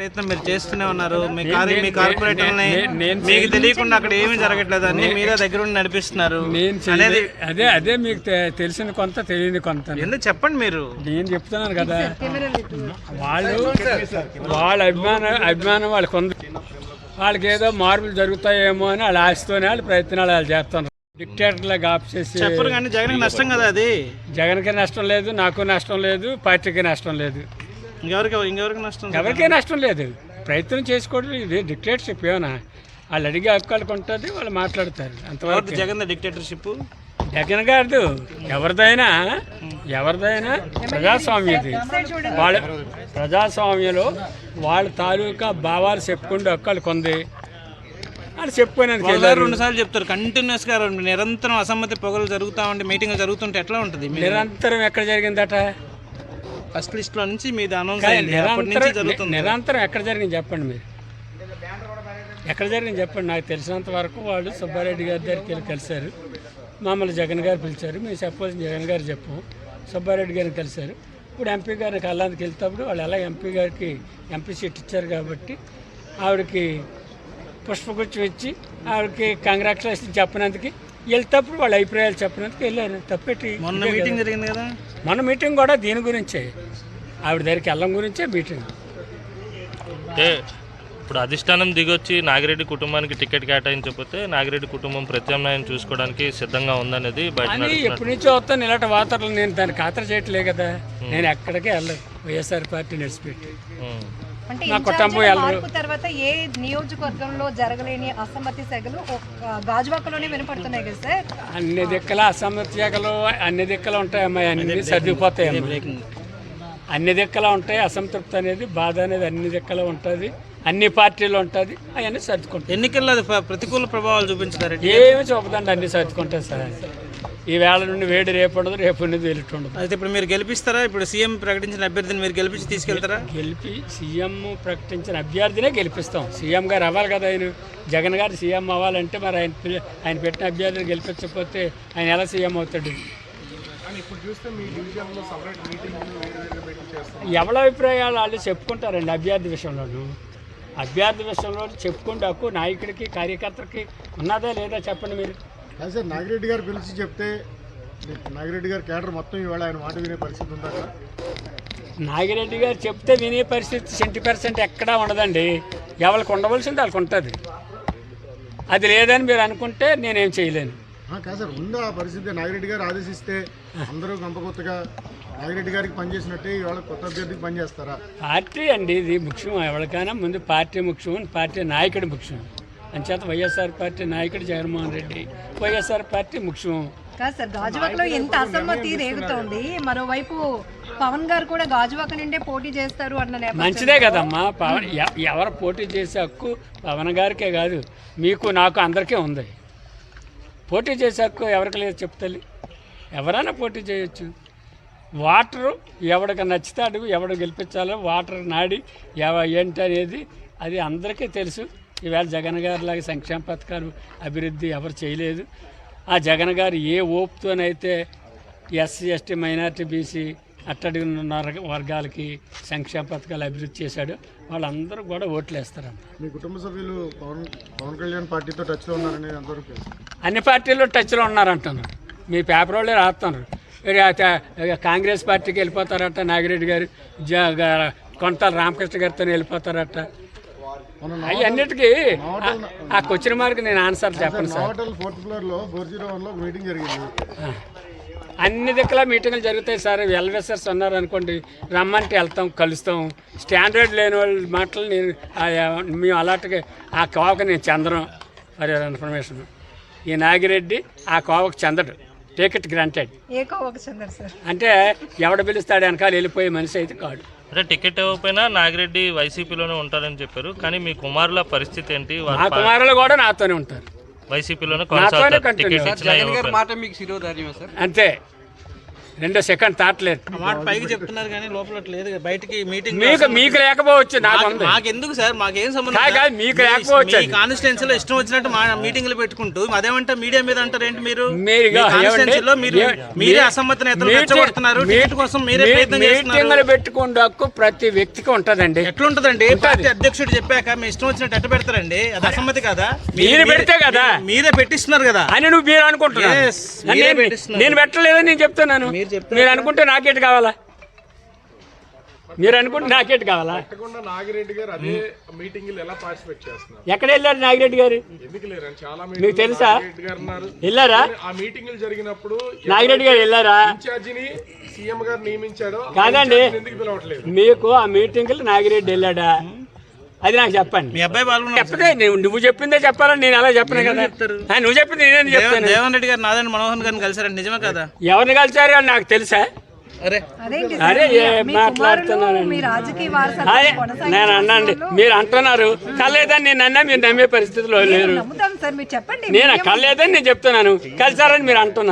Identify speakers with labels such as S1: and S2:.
S1: ప్రయత్నం మీరు చేస్తూనే ఉన్నారు. మీ కార్పొరేటర్ని మీకు తెలియకుండా అక్కడ ఏమీ జరగట్లేదు, అన్ని మీరే దగ్గర ఉండి నడిపిస్తున్నారు అనేది.
S2: అదే మీకు తెలిసిన కొంత తెలియని కొంత
S1: ఎందుకు చెప్పండి. మీరు
S2: నేను చెప్తున్నాను కదా, వాళ్ళ అభిమానం వాళ్ళకి ఉంది. వాళ్ళకి ఏదో మార్పులు జరుగుతాయేమో అని వాళ్ళ ఆశతోనే వాళ్ళ ప్రయత్నాలు వాళ్ళు చేస్తున్నారు. డిక్టేటర్లకు ఆఫ్ చేసి
S1: చెప్పరు కానీ జగన్కి నష్టం కదా అది.
S2: జగన్కి నష్టం లేదు, నాకు నష్టం లేదు, పార్టీకి నష్టం లేదు,
S1: ఇంకెవరికి నష్టం?
S2: ఎవరికీ నష్టం లేదు. ప్రయత్నం చేసుకోవడం ఇది డిక్టేటర్షిప్ ఏమన్నా. వాళ్ళు అడిగే హక్కులకు ఉంటుంది, వాళ్ళు మాట్లాడతారు అంతవరకు.
S1: జగన్ డిక్టేటర్షిప్
S2: జగన్ గారు ఎవరిదైనా ప్రజాస్వామ్యం ఇది. వాళ్ళ ప్రజాస్వామ్యంలో వాళ్ళ తాలూకా భావాలు చెప్పుకుంటే హక్కులకు ఉంది. అని చెప్పుకునేందుకు
S1: 2 సార్లు చెప్తారు కంటిన్యూస్ గా. నిరంతరం అసమ్మతి పొగలు జరుగుతూ ఉంటే, మీటింగ్ జరుగుతుంటే ఎట్లా ఉంటుంది?
S2: నిరంతరం ఎక్కడ జరిగిందట?
S1: ఫస్ట్ లిస్ట్ లో నుంచి మీది అనౌన్స్
S2: నిరంతరం ఎక్కడ జరిగింది చెప్పండి. మీరు ఎక్కడ జరిగింది చెప్పండి. నాకు తెలిసినంత వరకు వాళ్ళు సుబ్బారెడ్డి గారి దగ్గరికి కలిశారు, మమ్మల్ని జగన్ గారు పిలిచారు. మేము చెప్పాల్సిన జగన్ గారు చెప్పు, సుబ్బారెడ్డి గారిని కలిశారు. ఇప్పుడు ఎంపీ గారిని కళ్ళానికి వెళ్తేప్పుడు వాళ్ళు ఎలా ఎంపీ గారికి ఎంపీ సీట్ ఇచ్చారు కాబట్టి ఆవిడకి పుష్పగుచ్చం ఇచ్చి ఆవిడకి కంగ్రాచులేషన్ చెప్పినందుకు వెళ్తేప్పుడు వాళ్ళ అభిప్రాయాలు చెప్పినందుకు వెళ్ళారు. తప్పెట్టి
S1: మొన్న మీటింగ్ జరిగింది కదా,
S2: మొన్న మీటింగ్ కూడా దీని గురించే, ఆవిడ దగ్గరికి వెళ్ళడం గురించే మీటింగ్.
S3: ఇప్పుడు అధిష్టానం దిగొచ్చి నాగిరెడ్డి కుటుంబానికి టికెట్ కేటాయించకపోతే నాగిరెడ్డి కుటుంబం ప్రత్యామ్నాయం చూసుకోవడానికి సిద్ధంగా ఉందనేది బయట
S2: ఎప్పటి నుంచో వస్తాను. ఇలాంటి వార్తలు నేను దాన్ని ఖాతరు చేయట్లే కదా. నేను ఎక్కడికే వెళ్ళలేదు, వైఎస్ఆర్ పార్టీ నడిచిపెట్టి.
S4: నా కుటుంబం తర్వాత ఏ నియోజకవర్గంలో జరగలేని అసమ్మతి సెగలు గాజువాకలోనే వినపడుతున్నాయి కదా సార్?
S2: అన్ని దిక్కల అసమ్మతి సెగలు అన్ని దిక్కలు ఉంటాయమ్మా, అన్ని సర్దిపోతాయి. అన్ని దిక్కలా ఉంటాయి. అసంతృప్తి అనేది, బాధ అనేది అన్ని దిక్కలో ఉంటుంది, అన్ని పార్టీలు ఉంటుంది. అవన్నీ సర్దుకుంటాయి.
S1: ఎన్నికల్లో ప్రతికూల ప్రభావాలు చూపించారు?
S2: ఏమి చూపదండి, అన్ని సర్దుకుంటాయి సార్. ఈ వేళ నుండి వేడి రేపు ఉండదు, రేపు ఉండదు, వెలుటు ఉండదు.
S1: అయితే ఇప్పుడు మీరు గెలిపిస్తారా? ఇప్పుడు సీఎం ప్రకటించిన అభ్యర్థిని మీరు గెలిపించి తీసుకెళ్తారా?
S2: సీఎం ప్రకటించిన అభ్యర్థినే గెలిపిస్తాం. సీఎం గారు అవ్వాలి కదా. ఆయన జగన్ గారు సీఎం అవ్వాలంటే మరి ఆయన పెట్టిన అభ్యర్థిని గెలిపించకపోతే ఆయన ఎలా సీఎం అవుతాడు? ఎవరి అభిప్రాయాలు వాళ్ళు చెప్పుకుంటారండి. అభ్యర్థి విషయంలో చెప్పుకుంటే హక్కు నాయకుడికి కార్యకర్తకి ఉన్నదా లేదా చెప్పండి మీరు.
S5: సార్ నాగిరెడ్డి గారు పిలిచి చెప్తే నాగిరెడ్డి గారు కేడర్ మొత్తం ఇవాళ ఆయన మాట వినే పరిస్థితి ఉందా?
S2: నాగిరెడ్డి గారు చెప్తే వినే పరిస్థితి 70% ఎక్కడా ఉండదండి. ఎవరికి ఉండవలసింది వాళ్ళకి ఉంటుంది. అది లేదని మీరు అనుకుంటే నేనేం చేయలేను.
S5: కాదు సార్, ఉందా ఆ పరిస్థితి? నాగిరెడ్డి గారు ఆదేశిస్తే అందరూ గంపకొత్తగా నాగిరెడ్డి గారికి పనిచేసినట్టే ఇవాళ కొత్త అభ్యర్థికి పనిచేస్తారా?
S2: పార్టీ అండి ఇది ముఖ్యం. ఎవరికైనా ముందు పార్టీ ముఖ్యం, పార్టీ నాయకుడు ముఖ్యం. అంచేత వైఎస్ఆర్ పార్టీ నాయకుడు జగన్మోహన్ రెడ్డి, వైఎస్ఆర్ పార్టీ ముఖ్యం.
S4: కాదు సార్, గాజువాకలో ఎంత అసమ్మతి రేగుతోంది. మరోవైపు పవన్ గారు కూడా గాజువాక నుండే పోటీ చేస్తారు అన్న
S2: మంచిదే కదమ్మా. పవన్ ఎవరు పోటీ చేసే హక్కు పవన్ గారికే కాదు, మీకు నాకు అందరికీ ఉంది. పోటీ చేసే హక్కు ఎవరికి లేదు చెప్తాలి. ఎవరైనా పోటీ చేయొచ్చు. వాటరు ఎవడికి నచ్చుతాడు, ఎవడు గెలిపించాలో వాటర్ నాడి ఏంటి అనేది అది అందరికీ తెలుసు. ఈవేళ జగన్ గారి లాగా సంక్షేమ పథకాలు అభివృద్ధి ఎవరు చేయలేదు. ఆ జగన్ గారు ఏ ఓపుతోనైతే ఎస్సీ ఎస్టీ మైనార్టీ బీసీ అట్టడి వర్గాలకి సంక్షేమ పథకాలు అభివృద్ధి చేశాడు, వాళ్ళందరూ కూడా ఓట్లు వేస్తారమ్మ.
S5: మీ కుటుంబ సభ్యులు పవన్ కళ్యాణ్ పార్టీతో టచ్లో ఉన్నారనేది ఎంతవరకు?
S2: అన్ని పార్టీల్లో టచ్లో ఉన్నారంటున్నారు. మీ పేపర్ వాళ్ళే రాస్తున్నారు. కాంగ్రెస్ పార్టీకి వెళ్ళిపోతారట నాగిరెడ్డి గారు, కొంతాల రామకృష్ణ గారితో వెళ్ళిపోతారట. అన్నిటికీ ఆ క్వశ్చన్ మార్క్ నేను ఆన్సర్ చెప్పను సార్. అన్ని దగ్గర మీటింగ్లు జరుగుతాయి సార్. వెల్విషర్స్ ఉన్నారనుకోండి, రమ్మంటే వెళ్తాం, కలుస్తాం. స్టాండర్డ్ లేని వాళ్ళ మాటలు మేము అలాంటిగా ఆ కోవకు నేను చెందను. ఫర్ యువర్ ఇన్ఫర్మేషన్, ఈ నాగిరెడ్డి ఆ కోవకు చెందడు. Take it granted. అంటే ఎవడ పిలుస్తాడు వెనకాల వెళ్ళిపోయే మనిషి అయితే కాదు.
S3: అంటే టికెట్ ఇవ్వకపోయినా నాగిరెడ్డి వైసీపీలోనే ఉంటారని చెప్పారు. కానీ మీ కుమారుల పరిస్థితి ఏంటి?
S2: మా కుమారులు కూడా నాతోనే ఉంటారు,
S3: వైసీపీలోనే
S2: అంతే. రెండో సెకండ్ థాట్ లేదు.
S1: ఆ మాట పైకి చెప్తున్నారు కానీ లోపల అట్లా లేదు కదా. బయటికి మీటింగ్
S2: మీకు లేకపోవచ్చు, నాకు ఉంది.
S1: మాకెందుకు సార్, మాకేం సంబంధం?
S2: కాదు, మీకు లేకపోవచ్చు.
S1: కాన్స్టిట్యున్సీలో ఇష్టం వచ్చినట్టు మా మీటింగ్లు పెట్టుకుంటూ అదేమంటే మీడియా మీద అంటారు ఏంటి మీరు?
S2: మీరుగా
S1: కాన్స్టిట్యున్సీలో మీరే అసమ్మతి నేతలు రెచ్చగొడుతున్నారు. టికెట్ కోసం మీరే ప్రయత్నం చేస్తున్నారు.
S2: మీటింగ్లు పెట్టుకుంటే హక్కు ప్రతి వ్యక్తికి ఉంటదండి.
S1: ఎట్లుంటదండి? పార్టీ అధ్యక్షుడు చెప్పాక మీ ఇష్టం వచ్చినట్టు ఎట్ట పెడతారండి? అది అసమ్మతి కదా?
S2: మీరు పెడితే కదా,
S1: మీరే పెట్టిస్తున్నారు కదా
S2: అని మీరు అనుకుంటున్నారు.
S1: Yes, మీరే పెట్టిస్తున్నారు.
S2: నేను పెట్టలేదని నేను చెప్తున్నాను. మీరు అనుకుంటే నాకేటి కావాలా? మీరు అనుకుంటే నాకేటి కావాలా?
S6: నాగిరెడ్డి గారు అదే మీటింగ్ ఎలా పార్టిసిపేట్ చేస్తున్నారు?
S2: ఎక్కడ వెళ్ళారు నాగిరెడ్డి గారు?
S6: ఎందుకు లేరు? చాలా
S2: మీకు తెలుసా?
S6: గారు
S2: వెళ్ళారా?
S6: ఆ మీటింగ్లు జరిగినప్పుడు
S2: నాగిరెడ్డి గారు వెళ్ళారా?
S6: ఇన్ఛార్జిని సీఎం గారు నియమించాడు.
S2: కాదండి,
S6: ఎందుకు పిలవట్లేదు?
S2: మీకు ఆ మీటింగ్కి నాగిరెడ్డి వెళ్ళాడా? అది నాకు చెప్పండి.
S1: మీ అబ్బాయి పాల్గొన్నారు.
S2: చెప్తే నువ్వు చెప్పిందే చెప్పాలని నేను అలా చెప్పను కదా. నువ్వు చెప్పింది నేనే చెప్తాను.
S1: దేవన్ రెడ్డి గారు నారాయణ మనోహర్ గారిని కలిసారండి, నిజమే కదా?
S2: ఎవరిని కలిసారు అని నాకు తెలుసా?
S1: అరే
S4: అదేంటి
S2: అరే
S4: సార్, మీ
S2: మాట్లాడుతున్నాను.
S4: కుమారులు మీ రాజకీయ వారసత్వం
S2: నేను అన్నాండి, మీరు అంటున్నారు కల్లేదని నేను అన్నా, మీరు నమ్మే పరిస్థితిలో లేరు.
S4: నమ్ముతాం సార్, మీరు చెప్పండి.
S2: నేను కల్లేదని నేను చెప్తున్నాను, కలిసారని మీరు అంటున్నారు.